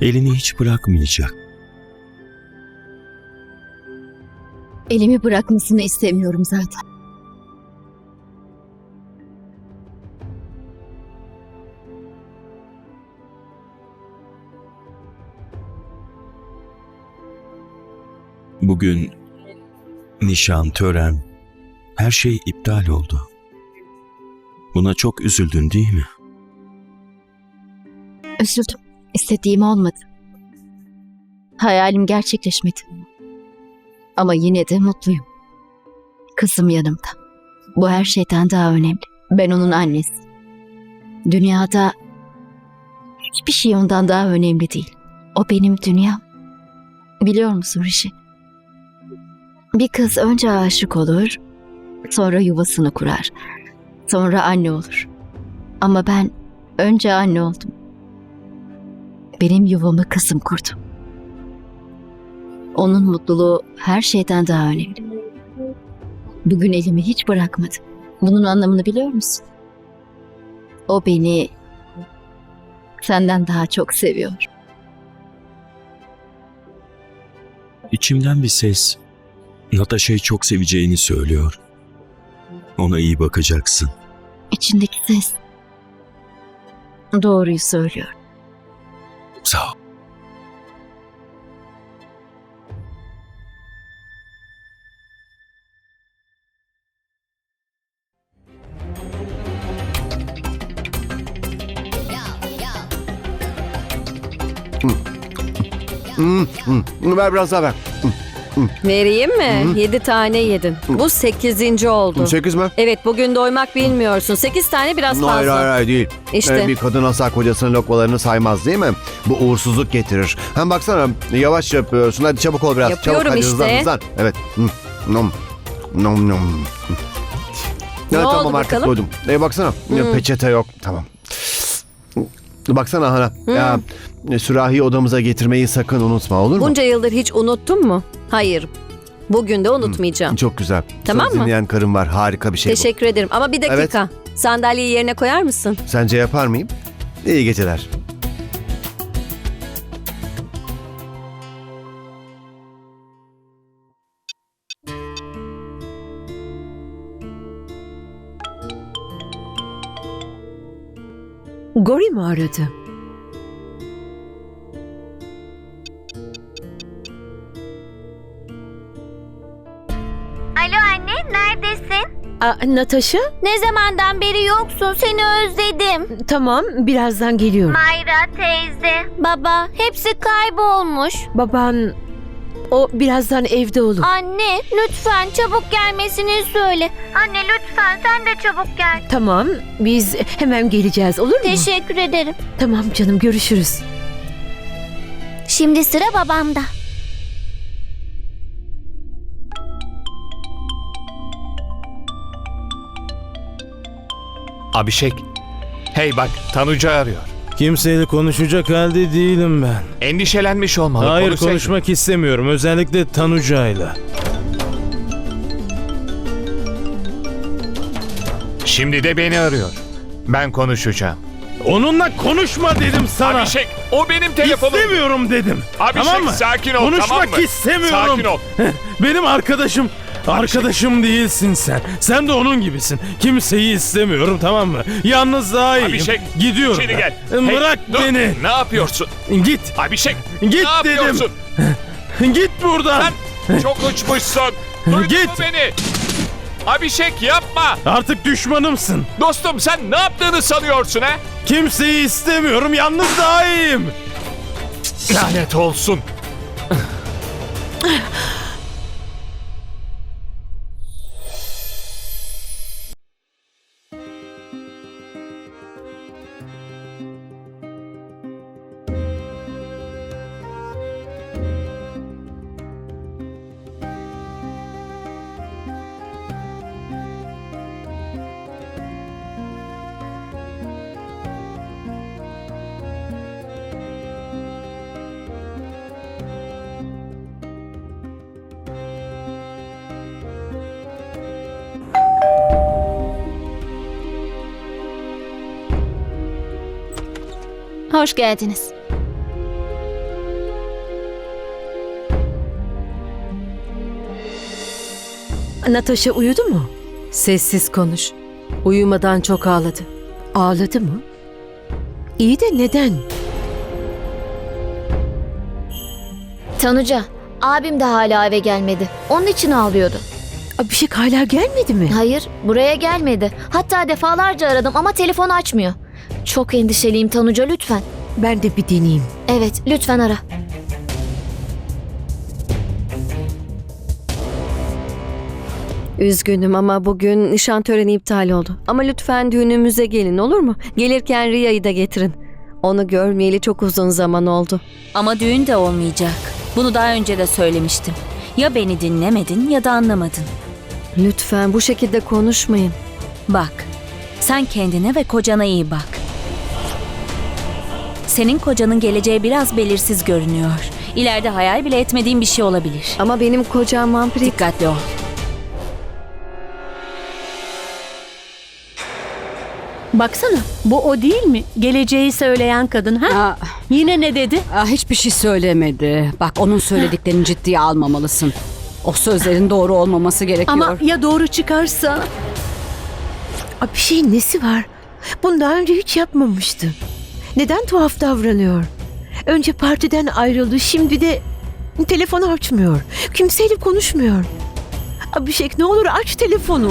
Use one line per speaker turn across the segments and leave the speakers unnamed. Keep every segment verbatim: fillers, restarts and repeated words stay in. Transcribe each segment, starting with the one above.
elini hiç bırakmayacak.
Elimi bırakmasını istemiyorum zaten.
Bugün nişan, tören, her şey iptal oldu. Buna çok üzüldün değil mi?
Üzüldüm. İstediğim olmadı. Hayalim gerçekleşmedi. Ama yine de mutluyum. Kızım yanımda. Bu her şeyden daha önemli. Ben onun annesi. Dünyada hiçbir şey ondan daha önemli değil. O benim dünyam. Biliyor musun Rishi? Bir kız önce aşık olur, sonra yuvasını kurar, sonra anne olur. Ama ben önce anne oldum. Benim yuvamı kızım kurdu. Onun mutluluğu her şeyden daha önemli. Bugün elimi hiç bırakmadı. Bunun anlamını biliyor musun? O beni senden daha çok seviyor.
İçimden bir ses Natasha'yı çok seveceğini söylüyor. Ona iyi bakacaksın.
İçindeki ses doğruyu söylüyor.
Sağ ol.
Hmm, hmm. Ver biraz daha ver.
Vereyim mi? Yedi tane yedin. Bu sekizinci oldu.
Sekiz mi?
Evet, bugün doymak bilmiyorsun. Sekiz tane biraz fazla.
Hayır hayır hayır değil.
İşte.
Ee, bir kadın asla kocasının lokmalarını saymaz değil mi? Bu uğursuzluk getirir. Hem baksana yavaş yapıyorsun. Hadi çabuk ol biraz.
Yapıyorum
çabuk, hadi
işte.
hızlan hızlan. Evet. Hmm. Nom. Nom nom.
Ne
Ya,
oldu
tamam artık
bakalım?
doydum. Ee, baksana ya, peçete yok. Tamam. Baksana Hana. Ya, sürahiyi odamıza getirmeyi sakın unutma, olur mu?
Bunca yıldır hiç unuttun mu? Hayır. Bugün de unutmayacağım.
Çok güzel.
Tamam
Söz
mı?
dinleyen karım var. Harika bir şey bu.
Teşekkür ederim. Ama bir dakika. Sandalyeyi yerine koyar mısın?
Sence yapar mıyım? İyi geceler.
Gori mi aradı?
Alo anne, neredesin?
Aa, Natasha?
Ne zamandan beri yoksun, seni özledim.
Tamam, birazdan geliyorum.
Mayra, teyze, baba, hepsi kaybolmuş.
Baban, o birazdan evde olur.
Anne, lütfen çabuk gelmesini söyle. Anne lütfen, sen de çabuk gel.
Tamam, biz hemen geleceğiz, olur mu?
Teşekkür ederim.
Tamam canım, görüşürüz.
Şimdi sıra babamda.
Abişek. Hey bak, Tanuca arıyor.
Kimseyle konuşacak halde değilim ben.
Endişelenmiş olmalı.
Hayır,
konuşsaydın.
konuşmak istemiyorum. Özellikle Tanuca'yla.
Şimdi de beni arıyor. Ben konuşacağım.
Onunla konuşma dedim sana.
Abişek, o benim telefonum.
İstemiyorum dedim.
Abişek,
tamam mı?
sakin ol,
Konuşmak
tamam mı?
istemiyorum.
Sakin ol.
Benim arkadaşım. Arkadaşım değilsin sen. Sen de onun gibisin. Kimseyi istemiyorum, tamam mı? Yalnız daha iyiyim.
Abişek,
Gidiyorum
içeri
ben.
gel.
Bırak
Hey, dur.
beni.
Ne yapıyorsun?
Git.
Abişek,
Git
ne
dedim.
yapıyorsun?
Git buradan.
Sen çok uçmuşsun. Duydun
Git.
mu beni? Abişek yapma.
Artık düşmanımsın.
Dostum, sen ne yaptığını sanıyorsun ha?
Kimseyi istemiyorum. Yalnız daha iyiyim.
Lanet olsun.
Hoş geldiniz.
Natasha uyudu mu?
Sessiz konuş. Uyumadan çok ağladı.
Ağladı mı? İyi de neden?
Tanuca, abim de hala eve gelmedi. Onun için ağlıyordu.
Abhishek hala gelmedi mi?
Hayır, buraya gelmedi. Hatta defalarca aradım ama telefonu açmıyor. Çok endişeliyim Tanuca, lütfen.
Ben de bir deneyeyim.
Evet, lütfen ara.
Üzgünüm ama bugün nişan töreni iptal oldu. Ama lütfen düğünümüze gelin, olur mu? Gelirken Riya'yı da getirin. Onu görmeyeli çok uzun zaman oldu.
Ama düğün de olmayacak. Bunu daha önce de söylemiştim. Ya beni dinlemedin ya da anlamadın.
Lütfen bu şekilde konuşmayın.
Bak, sen kendine ve kocana iyi bak. Senin kocanın geleceği biraz belirsiz görünüyor. İleride hayal bile etmediğin bir şey olabilir.
Ama benim kocam vampir.
Dikkatli ol.
Baksana, bu o değil mi? Geleceği söyleyen kadın ha?
Aa,
Yine ne dedi?
aa, hiçbir şey söylemedi. Bak, onun söylediklerini ciddiye almamalısın. O sözlerin doğru olmaması gerekiyor.
Ama ya doğru çıkarsa?
Abhishek'in nesi var? Bunu daha önce hiç yapmamıştı. Neden tuhaf davranıyor? Önce partiden ayrıldı, şimdi de telefonu açmıyor. Kimseyle konuşmuyor. Abhishek, ne olur aç telefonu.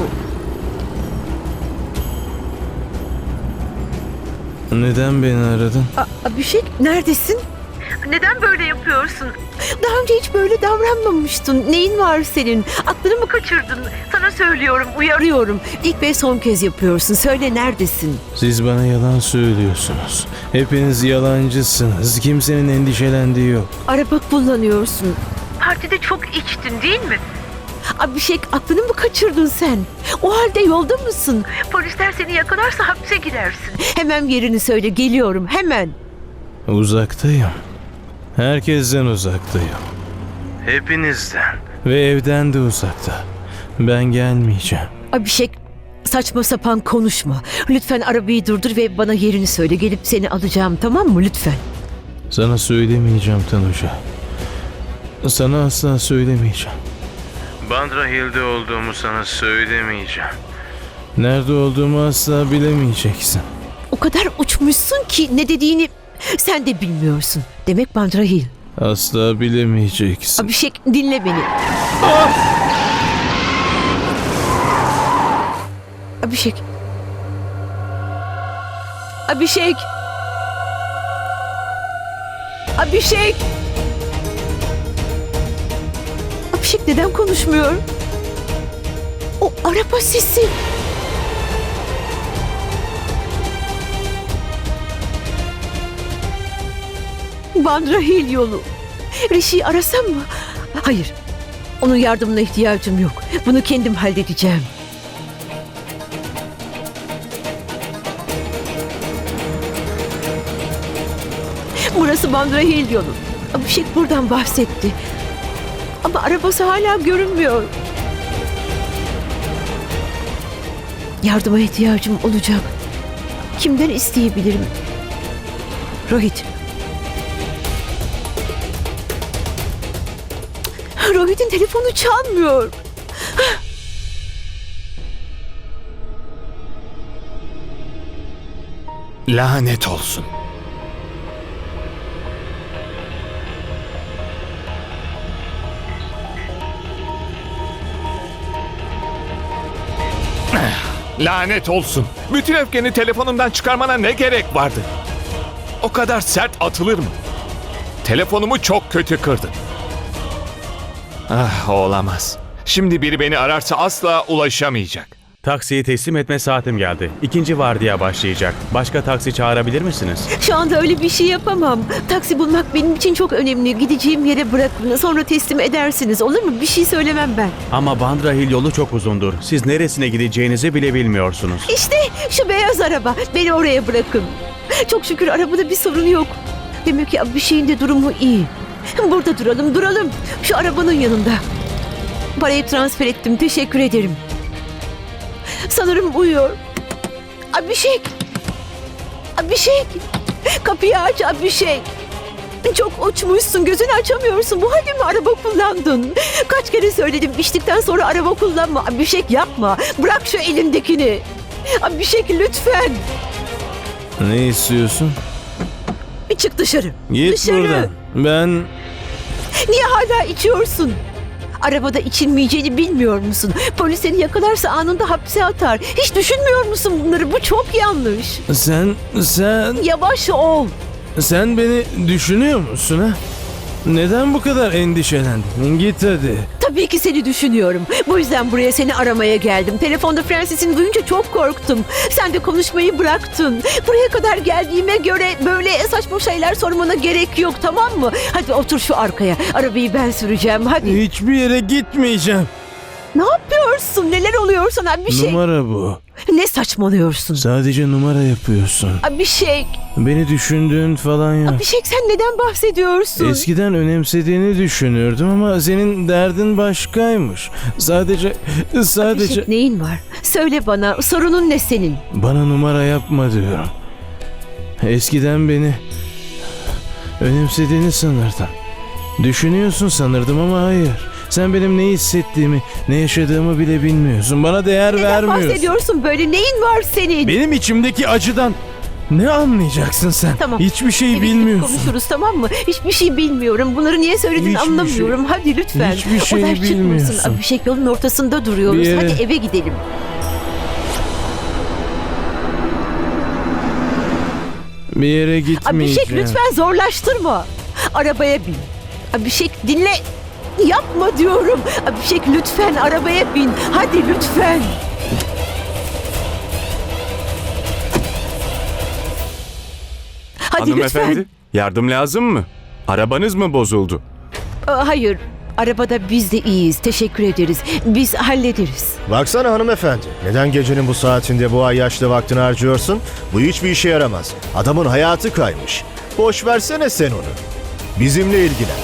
Neden beni aradın?
A- Abhishek, neredesin? Neden böyle yapıyorsun? Daha önce hiç böyle davranmamıştın. Neyin var senin? Aklını mı kaçırdın? Sana söylüyorum, uyarıyorum. İlk ve son kez yapıyorsun. Söyle, neredesin?
Siz bana yalan söylüyorsunuz. Hepiniz yalancısınız. Kimsenin endişelendiği yok.
Araba kullanıyorsun. Partide çok içtin değil mi? Abhishek, aklını mı kaçırdın sen? O halde yolda mısın? Polisler seni yakalarsa hapse girersin. Hemen yerini söyle, geliyorum hemen.
Uzaktayım. Herkesten uzaktayım. Hepinizden. Ve evden de uzakta. Ben gelmeyeceğim.
Abhishek, saçma sapan konuşma. Lütfen arabayı durdur ve bana yerini söyle. Gelip seni alacağım, tamam mı, lütfen?
Sana söylemeyeceğim Tanuca. Sana asla söylemeyeceğim. Bandra Hill'de olduğumu sana söylemeyeceğim. Nerede olduğumu asla bilemeyeceksin.
O kadar uçmuşsun ki ne dediğini sen de bilmiyorsun. Demek Bandra Hill.
Asla bilemeyeceksin.
Abhishek, dinle beni. Abhishek. Abhishek. Abhishek. Abhishek neden konuşmuyor? O araba sesi. Bandra Hill yolu. Rishi'yi arasam mı? Hayır. Onun yardımına ihtiyacım yok. Bunu kendim halledeceğim. Burası Bandra Hill yolu. Abhishek buradan bahsetti. Ama arabası hala görünmüyor. Yardıma ihtiyacım olacak. Kimden isteyebilirim? Rohit. Rohit'in telefonu çalmıyor.
Lanet olsun. Lanet olsun. Bütün öfkeni telefonumdan çıkarmana ne gerek vardı? O kadar sert atılır mı? Telefonumu çok kötü kırdın. Ah, olamaz. Şimdi biri beni ararsa asla ulaşamayacak.
Taksiyi teslim etme saatim geldi. İkinci vardiya başlayacak. Başka taksi çağırabilir misiniz?
Şu anda öyle bir şey yapamam. Taksi bulmak benim için çok önemli. Gideceğim yere bırakın. Sonra teslim edersiniz. Olur mu? Bir şey söylemem ben.
Ama Bandra Hill yolu çok uzundur. Siz neresine gideceğinizi bile bilmiyorsunuz.
İşte şu beyaz araba. Beni oraya bırakın. Çok şükür arabada bir sorun yok. Demek ki bir şeyin de durumu iyi. Burada duralım, duralım. Şu arabanın yanında. Parayı transfer ettim. Teşekkür ederim. Sanırım uyuyor. Abhishek. Abhishek. Kapıyı aç Abhishek. Çok uçmuşsun, gözünü açamıyorsun. Bu halde mi araba kullandın? Kaç kere söyledim, içtikten sonra araba kullanma. Abhishek yapma, bırak şu elindekini. Abhishek lütfen.
Ne istiyorsun?
Bir çık dışarı.
Git
dışarı.
buradan. Ben...
Niye hala içiyorsun? Arabada içilmeyeceğini bilmiyor musun? Polis seni yakalarsa anında hapse atar. Hiç düşünmüyor musun bunları? Bu çok yanlış.
Sen... Sen...
Yavaş ol.
Sen beni düşünüyor musun ha? Neden bu kadar endişelendin? Git hadi.
Tabii ki seni düşünüyorum. Bu yüzden buraya seni aramaya geldim. Telefonda Francis'in duyunca çok korktum. Sen de konuşmayı bıraktın. Buraya kadar geldiğime göre böyle saçma şeyler sormana gerek yok, tamam mı? Hadi otur şu arkaya. Arabayı ben süreceğim, hadi.
Hiçbir yere gitmeyeceğim.
Ne yapıyorsun? Neler oluyor sana? Bir şey...
Numara bu.
Ne saçmalıyorsun?
Sadece numara yapıyorsun.
Bir şey...
Beni düşündüğün falan yok.
Bir şey, sen neden bahsediyorsun?
Eskiden önemsediğini düşünürdüm ama senin derdin başkaymış. Sadece... Sadece...
Abhishek, neyin var? Söyle bana, sorunun ne senin?
Bana numara yapma diyorum. Eskiden beni önemsediğini sanırdım. Düşünüyorsun sanırdım ama hayır. Sen benim ne hissettiğimi, ne yaşadığımı bile bilmiyorsun. Bana değer
Neden
vermiyorsun.
bahsediyorsun böyle? Neyin var senin?
Benim içimdeki acıdan ne anlayacaksın sen?
Tamam.
Hiçbir şey
Eve gidip
bilmiyorsun.
konuşuruz, tamam mı? Hiçbir şey bilmiyorum. Bunları niye söylediğini
Hiçbir
anlamıyorum.
şey-
Hadi lütfen.
hiçbir
O
şey
ders çıkmasın.
bilmiyorsun.
Abhishek, yolun ortasında duruyoruz.
Bir yere-
Hadi eve gidelim.
Bir yere gitmeyeceğim.
Abhishek, lütfen zorlaştırma. Arabaya bin. Abhishek, dinle. Yapma diyorum. Abhishek, lütfen arabaya bin. Hadi lütfen. Hadi
Hanımefendi,
lütfen.
yardım lazım mı? Arabanız mı bozuldu?
Aa, hayır. Arabada biz de iyiyiz. Teşekkür ederiz. Biz hallederiz.
Baksana hanımefendi. Neden gecenin bu saatinde bu ay yaşlı vaktini harcıyorsun? Bu hiçbir işe yaramaz. Adamın hayatı kaymış. Boş versene sen onu. Bizimle ilgilen.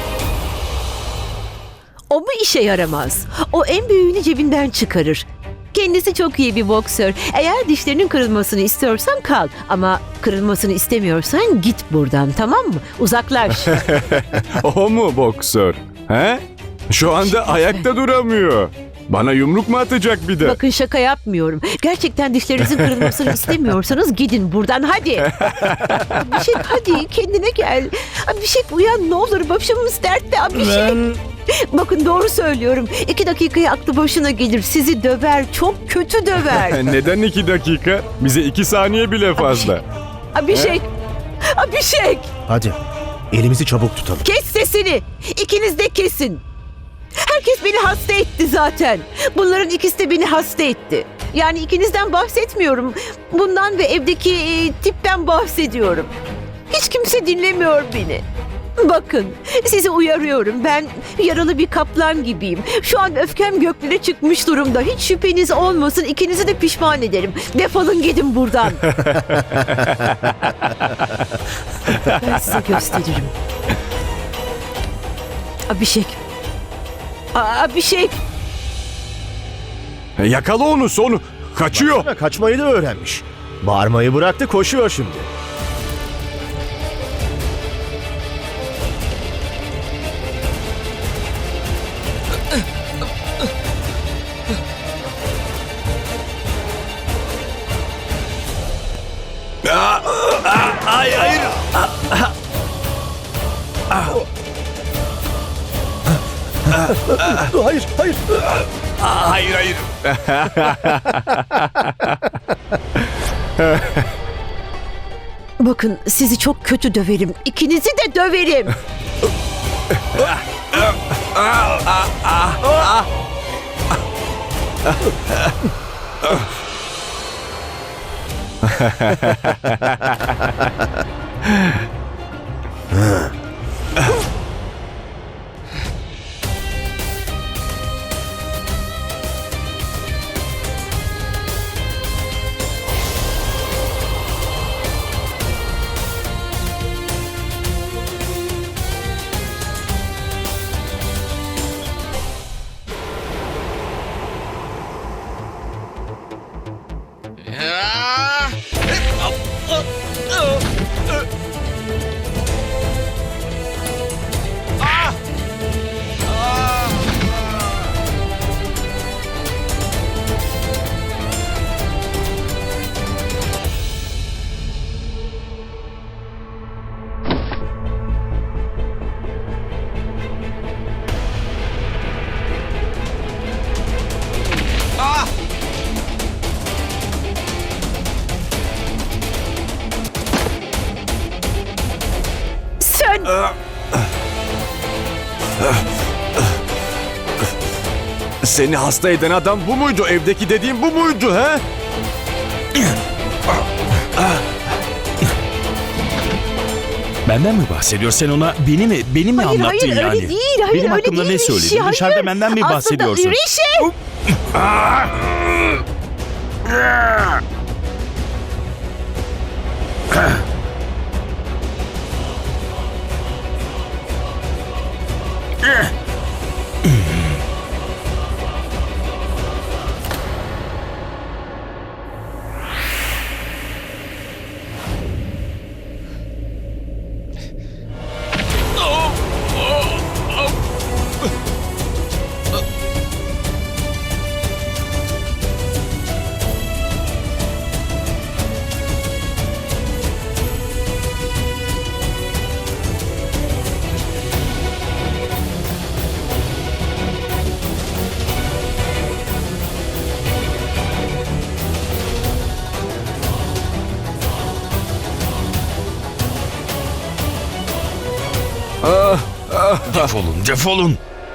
O mu işe yaramaz? O en büyüğünü cebinden çıkarır. Kendisi çok iyi bir boksör. Eğer dişlerinin kırılmasını istiyorsan kal. Ama kırılmasını istemiyorsan git buradan, tamam mı? Uzaklaş.
O mu boksör? He? Şu anda ayakta duramıyor. Bana yumruk mu atacak bir de?
Bakın, şaka yapmıyorum. Gerçekten dişlerinizin kırılmasını istemiyorsanız gidin buradan, hadi. Abhishek, hadi kendine gel. Abhishek, uyan ne olur, başımız dertte Abhishek.
Ben...
Bakın, doğru söylüyorum. İki dakikaya aklı başına gelir. Sizi döver, çok kötü döver.
Neden iki dakika? Bize iki saniye bile fazla.
Abhishek, Abhishek.
Hadi elimizi çabuk tutalım.
Kes sesini. İkiniz de kesin. Herkes beni hasta etti zaten. Bunların ikisi de beni hasta etti. Yani ikinizden bahsetmiyorum. Bundan ve evdeki e, tipten bahsediyorum. Hiç kimse dinlemiyor beni. Bakın, sizi uyarıyorum. Ben yaralı bir kaplan gibiyim. Şu an öfkem göklere çıkmış durumda. Hiç şüpheniz olmasın. İkinizi de pişman ederim. Defolun gidin buradan. Ben size gösteririm. Abhishek. Aa, Abhishek.
Yakala onu, sonu. Kaçıyor.
Baksana, kaçmayı da öğrenmiş. Bağırmayı bıraktı, koşuyor şimdi.
Hayır, hayır.
Hayır, hayır.
Hayır, hayır.
Bakın, sizi çok kötü döverim. İkinizi de döverim.
Seni hasta eden adam bu muydu? Evdeki dediğim bu muydu he?
Benden mi bahsediyor? Sen ona beni mi, beni mi
Hayır,
anlattın
hayır,
yani?
öyle değil, hayır,
Benim
öyle
hakkımda
değil
ne
Rişi,
söyledin?
hayır.
Dışarıda benden mi
Aslında
bahsediyorsun?
Rişi!
Defolun, defolun.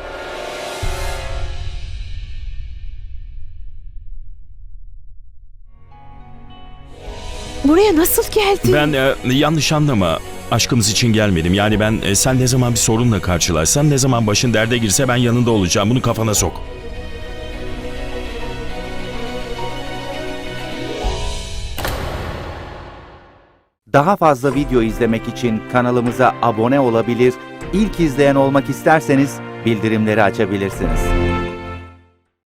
Buraya nasıl geldin?
Ben e, yanlış anlama. Aşkımız için gelmedim. Yani ben e, sen ne zaman bir sorunla karşılaşsan, ne zaman başın derde girse ben yanında olacağım. Bunu kafana sok.
Daha fazla video izlemek için kanalımıza abone olabilir, ilk izleyen olmak isterseniz bildirimleri açabilirsiniz.